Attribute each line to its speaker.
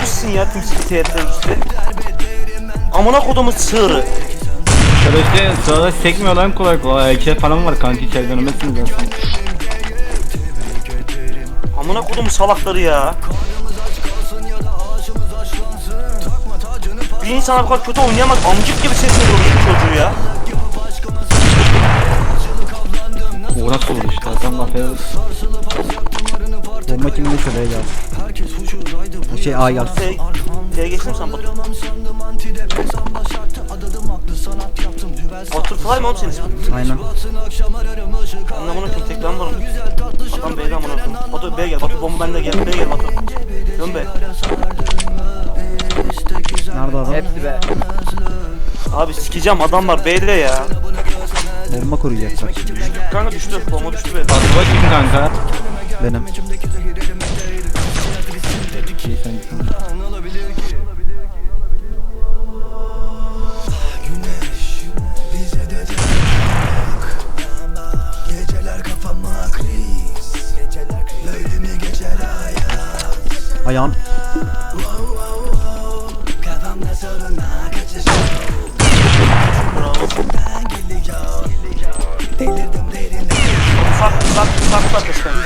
Speaker 1: teröristsin ya, timsik teröristi. Amına kodumun sığırı.
Speaker 2: Teröriste sırada sekmiyor lan kolay kolay. İçeri falan var kanki, içeri dönemezsiniz aslında.
Speaker 1: Amına kodumun salakları ya. Bir insan bu kadar kötü oynayamaz. Amcık gibi sesini vuruyor çocuğu ya.
Speaker 2: O nasıl olur işte, adam laf ediyor.
Speaker 3: Bomba kimin neyse B'ye geldi. Şey A geldi.
Speaker 1: T'ye geçtin mi sen Batur? Butterfly mı oğlum senin ismin?
Speaker 3: Aynen.
Speaker 1: Ben amına koyayım, tek ben varım. Adam B'de amına koyayım. Batu B'ye gel, Batu bomba bende, gel B'ye gel Batu. Dön be.
Speaker 3: Nerede adam?
Speaker 4: Hepsi be.
Speaker 1: Abi sikeceğim, adam var B'de ya.
Speaker 3: Bomba koruyacak bak şimdi.
Speaker 1: Kanka düştü, bomba düştü be.
Speaker 2: Batuba kim kanka?
Speaker 3: Benim.
Speaker 2: İyi sen gitsin.
Speaker 3: Ayağım.
Speaker 1: Ufak ufak ufak ufak ufak.